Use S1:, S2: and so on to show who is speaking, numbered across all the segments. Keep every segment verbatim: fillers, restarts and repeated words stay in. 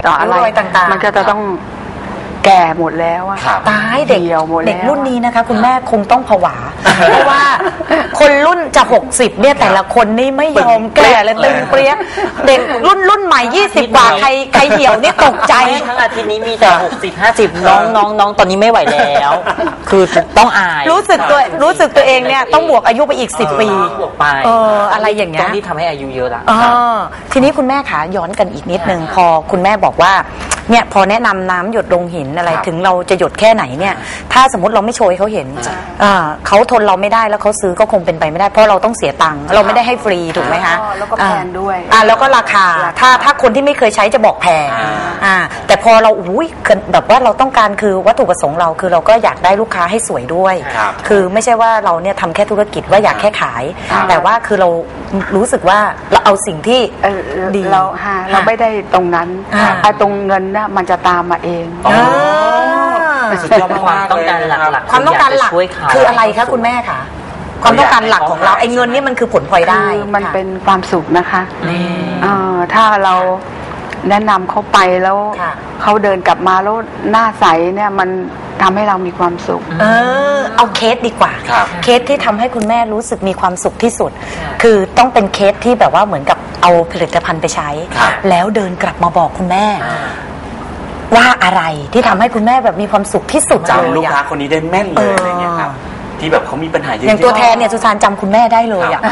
S1: ต่ออะไรต่างๆมันก็จะต้องแก่หมดแล้วอะ
S2: ตายเด็กเด็กรุ่นนี้นะคะคุณแม่คงต้องผวาเพราะว่าคนรุ่นจะหกสิบเนี่ยแต่ละคนนี่ไม่ยอมแก่เลยตึงเปรี้ยเด็กรุ่นรุ่นใหม่ยี่สิบกว่าใครใครเหี่ยวนี่ตกใจ
S3: ทั้งอาทิตย์นี้มีแต่หกสิบห้าสิบน้องน้องน้องตอนนี้ไม่ไหวแล้วคือต้องอาย
S2: รู้สึกตัวรู้สึกตัวเองเนี่ยต้องบวกอายุไปอีกสิบปี
S3: บวกไป
S2: เอออะไรอย่างเงี้ย
S3: ที่ทำให้อายุเยอะละ
S2: ทีนี้คุณแม่ขาย้อนกันอีกนิดนึงพอคุณแม่บอกว่าเนี่ยพอแนะนำน้ำหยดลงหินอะไรถึงเราจะหยดแค่ไหนเนี่ยถ้าสมมติเราไม่โชยเขาเห็นเขาทนเราไม่ได้แล้วเขาซื้อก็คงเป็นไปไม่ได้เพราะเราต้องเสียตังค์เราไม่ได้ให้ฟรีถูกไหมคะ
S1: แล้วก็แพงด้วย
S2: อ่าแล้วก็ราคาถ้าถ้าคนที่ไม่เคยใช้จะบอกแพงอ่าแต่พอเราอุ้ยแบบว่าเราต้องการคือวัตถุประสงค์เราคือเราก็อยากได้ลูกค้าให้สวยด้วยคือไม่ใช่ว่าเราเนี่ยทำแค่ธุรกิจว่าอยากแค่ขายแต่ว่าคือเรารู้สึกว่าเราเอาสิ่งที่ดี
S1: เราเราไม่ได้ตรงนั้นตรงเงินนะมันจะตามมาเอง
S3: ความต้องการหลัก
S2: ความต้องการหลักคืออะไรคะคุณแม่คะความต้องการหลักของเราไอ้เงินนี่มันคือผลพลอยได้
S1: มันเป็นความสุขนะคะถ้าเราแนะนำเขาไปแล้วเขาเดินกลับมาแล้วหน้าใสเนี่ยมันทำให้เรามีความสุข
S2: เออเอาเคสดีกว่าเคสที่ทำให้คุณแม่รู้สึกมีความสุขที่สุดคือต้องเป็นเคสที่แบบว่าเหมือนกับเอาผลิตภัณฑ์ไปใช้แล้วเดินกลับมาบอกคุณแม่ว่าอะไรที่ทำให้คุณแม่แบบมีความสุขที่สุด
S4: จำลูกค้าคนนี้ได้แม่นเลยอะไรเงี้ยครับที่แบบเขามีปัญหาเยอะ
S2: อย่างตัวแทนเนี่ยสุสานจำคุณแม่ได้เลยอ่ะ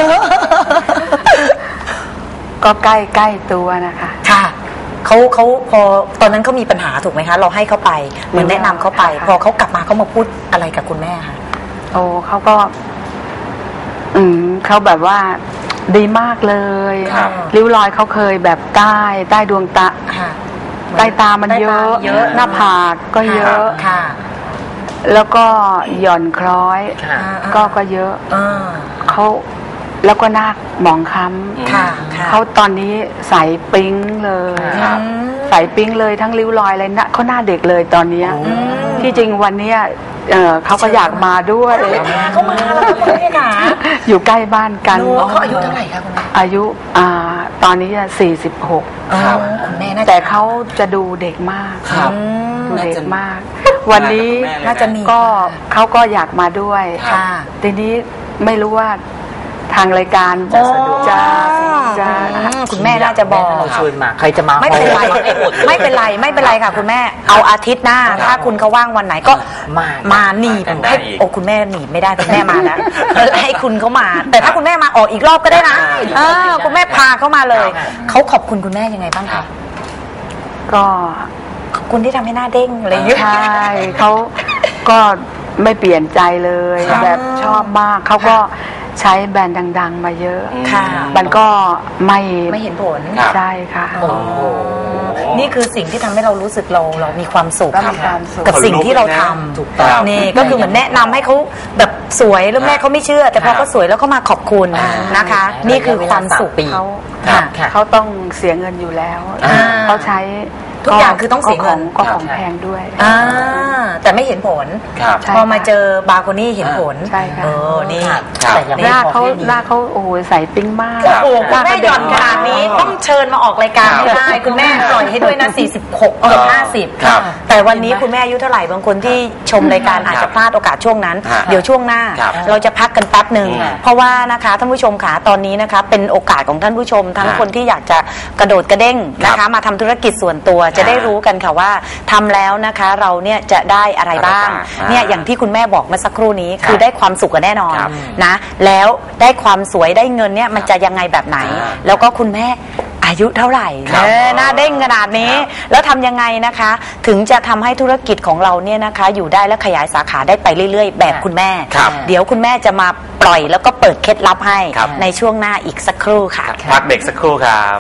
S1: ก็ใกล้ใกล้ตัวนะคะ
S2: ค่ะเขาเขาพอตอนนั้นเขามีปัญหาถูกไหมคะเราให้เขาไปเหมือนแนะนำเขาไปพอเขากลับมาเขามาพูดอะไรกับคุณแม่คะ
S1: โอ้เขาก็อืมเขาแบบว่าดีมากเลยริ้วรอยเขาเคยแบบใต้ใต้ดวงตาใต้ตามันเยอะหน้าผากก็เยอะแล้วก็หย่อนคล้อยก็ก็เยอะเขาแล้วก็หน้าหมองคล้ำเขาตอนนี้ใสปิ๊งเลยใสปิ๊งเลยทั้งริ้วรอยอะไรนะเขาหน้าเด็กเลยตอนนี้ที่จริงวันนี้เขาก็อยากมาด้วย
S2: เขามาแล้วคุณแม่ค่ะ
S1: อยู่ใกล้บ้านกัน
S2: เขาอายุเท่าไหร่คะคุณแม่
S1: อายุตอนนี้สี่สิบหกแต่เขาจะดูเด็กมากดูเด็กมากวันนี้
S2: น่าจะมี
S1: ก็เขาก็อยากมาด้วยทีนี้ไม่รู้ว่าทางรายการจะสะดวกจะจะ
S2: คุณแม่น่าจะบอก
S3: เราชวนมาใครจะมา
S2: ไม่เป็นไรไม่เป็นไรไม่เป็นไรค่ะคุณแม่เอาอาทิตย์หน้าถ้าคุณเขาว่างวันไหนก็มามาหนีบให้โอ้คุณแม่หนีบไม่ได้คุณแม่มาแล้วให้คุณเขามาแต่ถ้าคุณแม่มาออกอีกรอบก็ได้นะเออคุณแม่พาเขามาเลยเขาขอบคุณคุณแม่ยังไงบ้างคะ
S1: ก็
S2: ขอบคุณที่ทำให้หน้าเด้งอะไรอย่างเงี้ย
S1: ใช่เขาก็ไม่เปลี่ยนใจเลยแบบชอบมากเขาก็ใช้แบรนด์ดังๆมาเยอะมันก็ไม่
S2: ไม่เห็นผล
S1: ใช่ค่ะ
S2: นี่คือสิ่งที่ทำให้เรารู้สึกเราเรามีความสุขกับสิ่งที่เราทำนี่ก็คือเหมือนแนะนำให้เขาแบบสวยแล้วแม่เขาไม่เชื่อแต่พอเขาสวยแล้วเขามาขอบคุณนะคะนี่คือความสุข
S1: เขาเขาต้องเสียเงินอยู่แล้วเขาใช้
S2: ทุกอย่างคือต้องเสียเงิน
S1: ก็ของแพงด้วย
S2: แต่ไม่เห็นผลพอมาเจอบาโคนี่เห็นผล
S1: ใช่ค่ะ
S2: เออนี่
S1: หน้าเขาหน้าเขาโอ้โหใสปิ๊งมาก
S2: โอ้โหคุณแม่หย่อนขนาดนี้ต้องเชิญมาออกรายการให้ได้คุณแม่ปล่อยให้ด้วยนะสี่สิบหกเกือบห้าสิบแต่วันนี้คุณแม่อายุเท่าไหร่บางคนที่ชมรายการอาจจะพลาดโอกาสช่วงนั้นเดี๋ยวช่วงหน้าเราจะพักกันแป๊บหนึ่งเพราะว่านะคะท่านผู้ชมขาตอนนี้นะคะเป็นโอกาสของท่านผู้ชมทั้งคนที่อยากจะกระโดดกระเด้งนะคะมาทำธุรกิจส่วนตัวจะได้รู้กันค่ะว่าทำแล้วนะคะเราเนี่ยจะได้อะไรบ้างเนี่ยอย่างที่คุณแม่บอกเมื่อสักครู่นี้คือได้ความสุขกันแน่นอนนะแล้วได้ความสวยได้เงินเนี่ยมันจะยังไงแบบไหนแล้วก็คุณแม่อายุเท่าไหร่หน้าเด้งขนาดนี้แล้วทำยังไงนะคะถึงจะทำให้ธุรกิจของเราเนี่ยนะคะอยู่ได้และขยายสาขาได้ไปเรื่อยๆแบบคุณแม่เดี๋ยวคุณแม่จะมาปล่อยแล้วก็เปิดเคล็ดลับให้ในช่วงหน้าอีกสักครู่ค่ะ
S4: พักเบรกสักครู่ครับ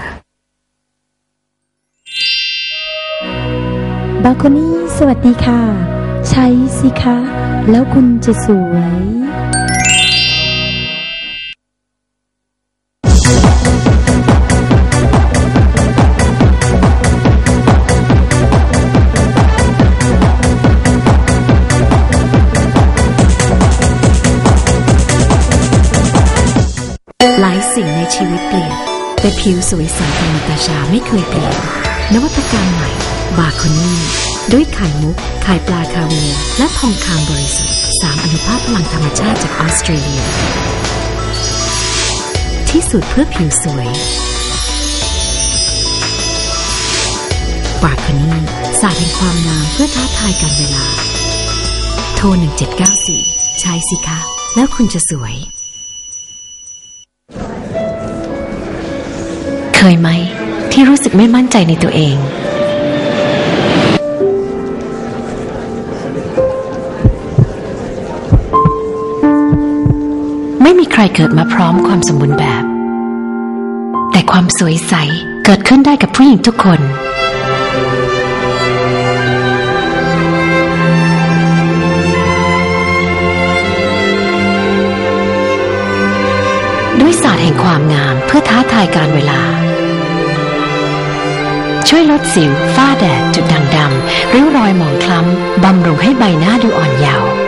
S5: บาโคนี่สวัสดีค่ะใช้สิคะแล้วคุณจะสวยหลายสิ่งในชีวิตเปลี่ยนแต่ผิวสวยใสของนาตาชาไม่เคยเปลี่ยน
S6: นวัตกรรมใหม่บาโคนี่ด้วยไข่มุกไข่ปลาคาเวียร์และทองคำบริสุทธิ์สามอนุภาคพลังธรรมชาติจากออสเตรเลียที่สุดเพื่อผิวสวยบาโคนี่ศาสตร์แห่งความงามเพื่อท้าทายการเวลาโทรหนึ่งเจ็ดเก้าสี่ใช้สิคะแล้วคุณจะสวยเคยไหมที่รู้สึกไม่มั่นใจในตัวเองไม่มีใครเกิดมาพร้อมความสมบูรณ์แบบแต่ความสวยใสเกิดขึ้นได้กับผู้หญิงทุกคนด้วยศาสตร์แห่งความงามเพื่อท้าทายการเวลาช่วยลดสิวฝ้าแดดจุดด่างดำริ้วรอยหมองคล้ำบำรุงให้ใบหน้าดูอ่อนเยาว์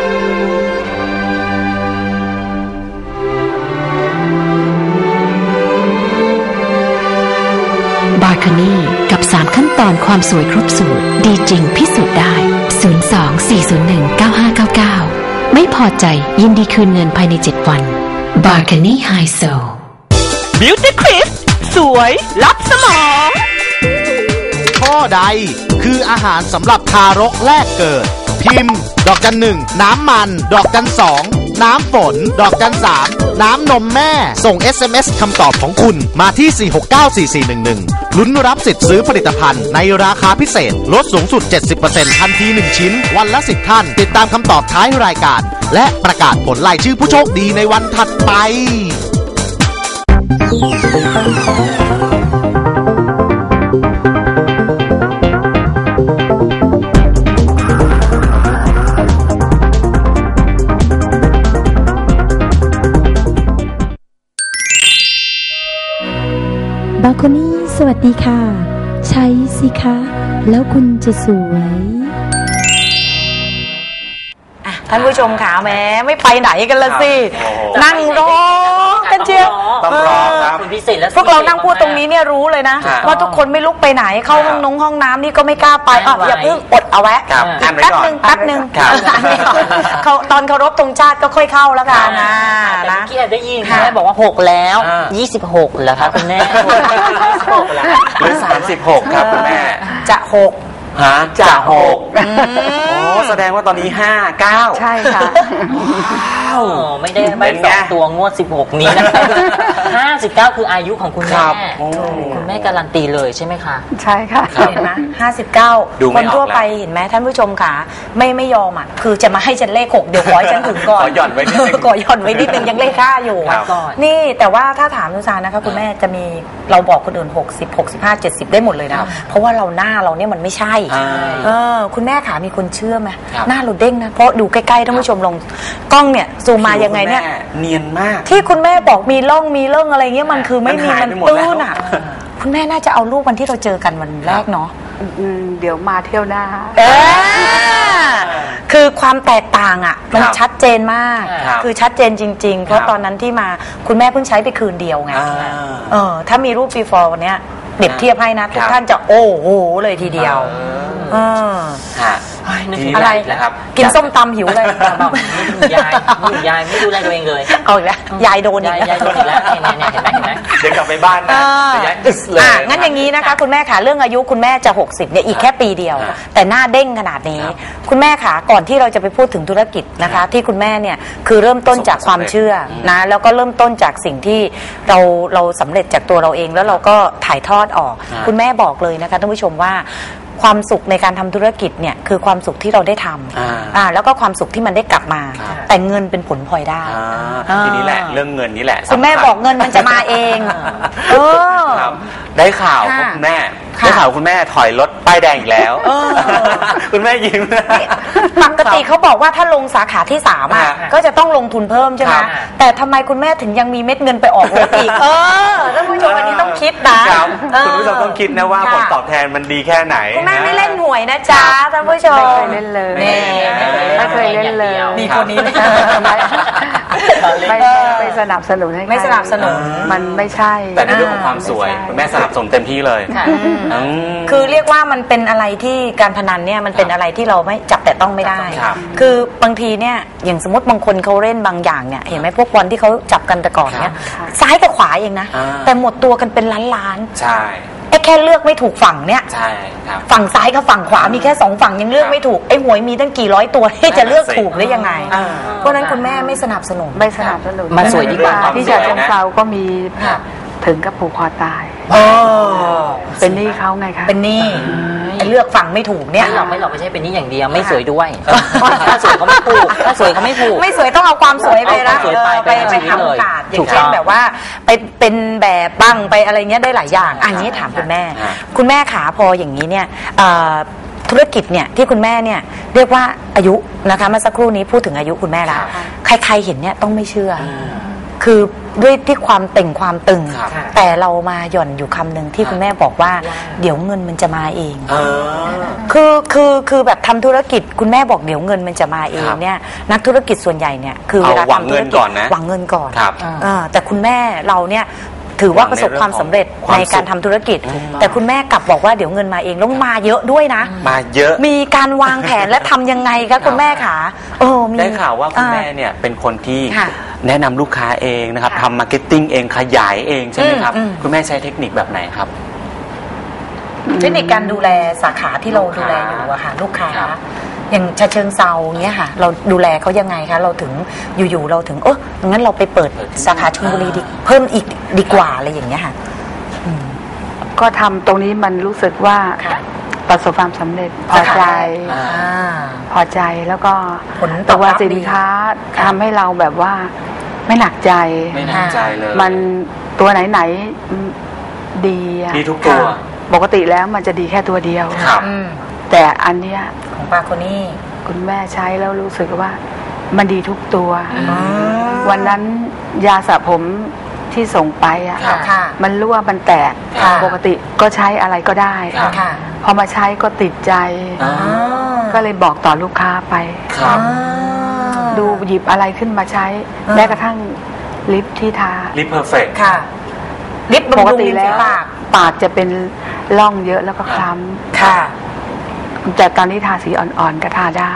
S6: บาร์คานี่กับสามขั้นตอนความสวยครบสูตรดีจริงพิสูจน์ได้ศูนย์ สอง สี่ ศูนย์ หนึ่ง เก้า ห้า เก้า เก้าไม่พอใจยินดีคืนเงินภายในเจ็ดวันบาร์คานี่ไฮโซ
S7: Beauty Crisp สวยลับสมอง
S8: ข้อใดคืออาหารสำหรับทารกแรกเกิดพิมพ์ดอกจันหนึ่งน้ำมันดอกจันสองน้ำฝนดอกจันสามน้ำนมแม่ส่ง เอส เอ็ม เอส คำตอบของคุณมาที่สี่ หก เก้า สี่ สี่ หนึ่ง หนึ่งลุ้นรับสิทธิ์ซื้อผลิตภัณฑ์ในราคาพิเศษลดสูงสุด เจ็ดสิบเปอร์เซ็นต์ ทันทีหนึ่งชิ้นวันละสิบท่านติดตามคำตอบท้ายรายการและประกาศผลรายชื่อผู้โชคดีในวันถัดไป
S5: บาโคนี่สวัสดีค่ะใช้สิคะแล้วคุณจะสวย
S2: ท่านผู้ชมขาแม้ไม่ไปไหนกันละสินั่งร้องกันเชียว
S4: ต้องร้องครับ
S2: พวกเรานั่งพูดตรงนี้เนี่ยรู้เลยนะว่าทุกคนไม่ลุกไปไหนเข้าห้องนงห้องน้ำนี่ก็ไม่กล้าไปอ่ะอย่าเพิ่งอดเอาไว้อีกแป๊บนึงแป๊บนึงเขาตอนเคารพธงชาติก็ค่อยเข้าแล้วกันนะ
S3: แต่เมื่อกี้ได้ยินแม่บอกว่าหกแล้วยี่สิบหกเหรอคะคุณแม่
S4: หรือสามสิบหกครับคุณแม่
S2: จะหก
S4: ฮะจะหกโอ้แสดงว่าตอนนี้ห้าเก้า
S1: ใช่ค่ะ
S3: ว้าวไม่ได้ไม่สองตัวงวดสิบหกนี้นะห้าสิบเก้าคืออายุของคุณแม่คุณแม่การันตีเลยใช่ไหมคะ
S1: ใช่ค่ะ
S2: เห็นไหมห้าสิบเก้าคนทั่วไปเห็นไหมท่านผู้ชมค่ะไม่ไม่ยอมอ่ะคือจะมาให้ฉันเลขหกเดี๋ยวขอให้ฉันถึงก่อน
S4: ขอหย่อนไว้นิดนึง
S2: ขอหย่อนไว้นิดนึงยังเลขห้าอยู่นี่แต่ว่าถ้าถามนุชานะคะคุณแม่จะมีเราบอกคนอื่นหกสิบ หกสิบห้า เจ็ดสิบได้หมดเลยนะเพราะว่าเราหน้าเราเนี่ยมันไม่ใช่เออคุณแม่ขามีคนเชื่อไหมหน้าเราเด้งนะเพราะดูใกล้ๆท่านผู้ชมลงกล้องเนี่ยซูมมายังไงเนี่ย
S4: เนียนมาก
S2: ที่คุณแม่บอกมีร่องมีเรื่องอะไรเงี้ยมันคือไม่มีมันตื้นอ่ะคุณแม่น่าจะเอารูปวันที่เราเจอกันวันแรกเนาะ
S1: เดี๋ยวมาเที่ยวหน้า
S2: คือความแตกต่างอ่ะมันชัดเจนมากคือชัดเจนจริงๆเพราะตอนนั้นที่มาคุณแม่เพิ่งใช้ไปคืนเดียวไงเออถ้ามีรูป before วันเนี้ยเด็บเทียบให้นะทุกท่านจะโอ้โหเลยทีเดียวอะไร
S4: นะครับ
S2: กินส้มตำหิวเลย
S3: ยายยายไม่ดูแลตัวเองเลย
S2: เอาอีกแล้วยายโดนอีก
S3: ยายโดนอีกแล้วเนี่ยเห็นไหมเห็นไหม
S4: เดี๋ยวกลับไปบ้านนะยายอึสเลย
S2: งั้นอย่างนี้นะคะคุณแม่ขาเรื่องอายุคุณแม่จะหกสิบเนี่ยอีกแค่ปีเดียวแต่หน้าเด้งขนาดนี้คุณแม่ขาก่อนที่เราจะไปพูดถึงธุรกิจนะคะที่คุณแม่เนี่ยคือเริ่มต้นจากความเชื่อนะแล้วก็เริ่มต้นจากสิ่งที่เราเราสำเร็จจากตัวเราเองแล้วเราก็ถ่ายทอดออกคุณแม่บอกเลยนะคะท่านผู้ชมว่าความสุขในการทำธุรกิจเนี่ยคือความสุขที่เราได้ทำอ่าแล้วก็ความสุขที่มันได้กลับมาแต่เงินเป็นผลพลอยได้
S4: ทีนี้แหละเรื่องเงินนี้แหละ
S2: คุณแม่บอกเงินมันจะมาเองเออ
S4: ได้ข่าวคุณแม่ได้ข่าวคุณแม่ถอยรถป้ายแดงอีกแล้วคุณแม่ยิ้ม
S2: ปกติเขาบอกว่าถ้าลงสาขาที่สามอ่ะก็จะต้องลงทุนเพิ่มใช่ไหมแต่ทำไมคุณแม่ถึงยังมีเม็ดเงินไปออกรถอีกเออท่านผู้ชมอันนี้ต้องคิดนะ
S4: คุณผู้ชมต้องคิดนะว่าผลตอบแทนมันดีแค่ไหน
S2: คุณแม่ไม่เล่นหวยนะจ๊ะท่านผู้ชม
S1: ไม่เคยเล่นเลยไม่เคยเล่นเลย
S2: มีคนนี้
S1: ไม่ไม่สนับสนุนให้ใคร
S2: ไม่สนับสนุน
S1: มันไม่ใช่
S4: แต่ในเรื่องของความสวยคุณแม่สนับสนุนเต็มที่เลย
S2: คือเรียกว่ามันเป็นอะไรที่การพนันเนี่ยมันเป็นอะไรที่เราไม่จับแต่ต้องไม่ได้
S4: ครับ
S2: คือบางทีเนี่ยอย่างสมมติบางคนเขาเล่นบางอย่างเนี่ยเห็นไหมพวกบอลที่เขาจับกันแต่ก่อนเนี่ยซ้ายกับขวาเองนะ
S4: อ่า
S2: แต่หมดตัวกันเป็นล้าน
S4: ใช่
S2: ๆไอ้แค่เลือกไม่ถูกฝั่งเนี่ย
S4: ใช่ครับ
S2: ฝั่งซ้ายกับฝั่งขวามีแค่สองฝั่งยังเลือกไม่ถูกไอ้หวยมีตั้งกี่ร้อยตัวที่จะเลือกถูกได้ยังไงเพราะนั้นคุณแม่ไม่สนับสนุน
S1: ไม่สนับสนุน
S3: มาสวยดีกว่า
S1: ที่ฉะเชิงเทราก็มีถึงกับผูกคอตาย เป็นหนี้เขาไงคะ
S2: เป็นหนี้ไอ้เลือกฝั่งไม่ถูกเนี่ย
S3: ไม่หรอกไม่หรอกไม่ใช่เป็นนี่อย่างเดียวไม่สวยด้วยถ้าสวยเขาไม่ผูกถ้าสวยเขาไม่ผูก
S2: ไม่สวยต้องเอาความสวยไป
S3: เอาความสวยไป
S2: ไป
S3: ไป
S2: ไป
S3: ทำ
S2: ทำโอกาสอ
S3: ถู
S2: ย่าก งเช่น
S3: ต้อง
S2: แบบว่าไปเป็นแบบบ้างไปอะไรเงี้ยได้หลายอย่างอันนี้ถามคุณแม่ คุณแม่ขาพออย่างนี้เนี่ยธุรกิจเนี่ยที่คุณแม่เนี่ยเรียกว่าอายุนะคะเมื่อสักครู่นี้พูดถึงอายุคุณแม่แล้วใครๆเห็นเนี่ยต้องไม่เชื่อคือด้วยที่ความเต่งความตึงแต่เรามาหย่อนอยู่คำหนึ่งที่คุณแม่บอกว่าเดี๋ยวเงินมันจะมาเองคือคือคือแบบทำธุรกิจคุณแม่บอกเดี๋ยวเงินมันจะมาเองเนี่ยนักธุรกิจส่วนใหญ่เนี่ยคือเวลาทำธุรกิจหวังเงินก่อนแต่คุณแม่เราเนี่ยถือว่าประสบความสำเร็จในการทำธุรกิจแต่คุณแม่กลับบอกว่าเดี๋ยวเงินมาเองแล้วมาเยอะด้วยนะ
S4: มาเยอะ
S2: มีการวางแผนและทำยังไงคะคุณแม่ขาเออมี
S4: ได้ข่าวว่าคุณแม่เนี่ยเป็นคนที่แนะนำลูกค้าเองนะครับทำมาร์เก็ตติ้งเองขยายเองใช่ไหมครับคุณแม่ใช้เทคนิคแบบไหนครับ
S2: เทคนิคการดูแลสาขาที่เราดูแลอยู่อะค่ะลูกค้าอย่างฉะเชิงเซาเงี้ยค่ะเราดูแลเขายังไงคะเราถึงอยู่ๆเราถึงเอองั้นเราไปเปิดสาขาชลบุรีดีเพิ่มอีกดีกว่าอะไรอย่างเงี้ยค่ะ
S1: ก็ทำตรงนี้มันรู้สึกว่าประสบความสำเร็จพอใจพอใจแล้วก็ตัวสินค้าทำให้เราแบบว่าไม่หนักใจ
S4: ไม่หนักใจเลย
S1: มันตัวไหนๆดี
S4: ดีทุกตัว
S1: ปกติแล้วมันจะดีแค่ตัวเดียวแต่อันเนี้ย
S2: ของปาโคนี่
S1: คุณแม่ใช้แล้วรู้สึกว่ามันดีทุกตัววันนั้นยาสระผมที่ส่งไปอ่ะมันรั่วมันแตกปกติก็ใช้อะไรก็ได้พอมาใช้ก็ติดใจก็เลยบอกต่อลูกค้าไปดูหยิบอะไรขึ้นมาใช้แม้กระทั่งลิปที่ทา
S4: ลิปเพอร์เฟกต์
S2: ค่ะลิป
S1: ปกติแล้วปากจะเป็นร่องเยอะแล้วก็คล้ำ
S2: ค่ะ
S1: แต่ตอนนี้ทาสีอ่อนๆก็ทาได้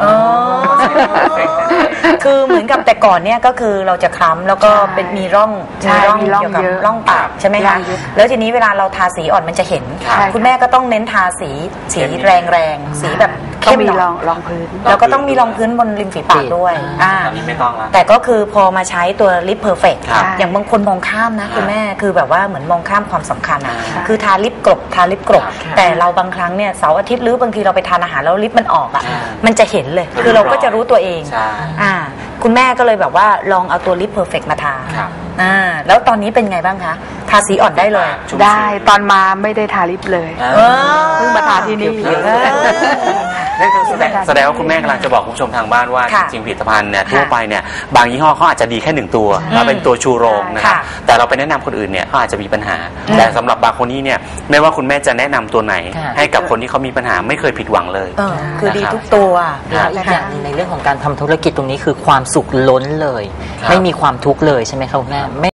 S2: คือเหมือนกับแต่ก่อนเนี่ยก็คือเราจะคล้ำแล้วก็เป็นมีร่องมีร่องเกี่ยวกับร่องปากใช่ไหมคะแล้วทีนี้เวลาเราทาสีอ่อนมันจะเห็นคุณแม่ก็ต้องเน้นทาสีสีแรงๆสีแบบ
S1: เข้มหน่อยรองพื้น
S2: แล้วก็ต้องมีรองพื้นบนริมฝีปากด้วย
S4: อ่าอันนี้ไม่ต้องละ
S2: แต่ก็คือพอมาใช้ตัวลิปเพอร์เฟกต์อย่างบางคนมองข้ามนะคุณแม่คือแบบว่าเหมือนมองข้ามความสำคัญอ่ะคือทาลิปกรบทาลิปกรบแต่เราบางครั้งเนี่ยเสาร์อาทิตย์หรือบางทีเราไปทานอาหารแล้วลิปมันออกอ่ะมันจะเห็นเลยคือเราก็จะรู้ตัวเองอ่าคุณแม่ก็เลยแบบว่าลองเอาตัวลิปเพอร์เฟกต์มาทาอ่าแล้วตอนนี้เป็นไงบ้างคะทาสีอ่อนได้เลย
S1: ได้ตอนมาไม่ได้ทาลิปเลยเพิ่งมาทาที่นี่
S4: นั่นคือแสดงว่าคุณแม่กำลังจะบอกคุณผู้ชมทางบ้านว่าจริงผลิตภัณฑ์เนี่ยทั่วไปเนี่ยบางยี่ห้อเขาอาจจะดีแค่หนึ่งตัวมาเป็นตัวชูโรงนะครับแต่เราไปแนะนำคนอื่นเนี่ยเขาอาจจะมีปัญหาแต่สำหรับบางคนนี้เนี่ยไม่ว่าคุณแม่จะแนะนำตัวไหนให้กับคนที่เขามีปัญหาไม่เคยผิดหวังเลย
S2: คือดีทุกตัว
S3: แล้วอีกอย่างในเรื่องของการทำธุรกิจตรงนี้คือความสุขล้นเลยไม่มีความทุกข์เลยใช่ไหมครับคุณแม่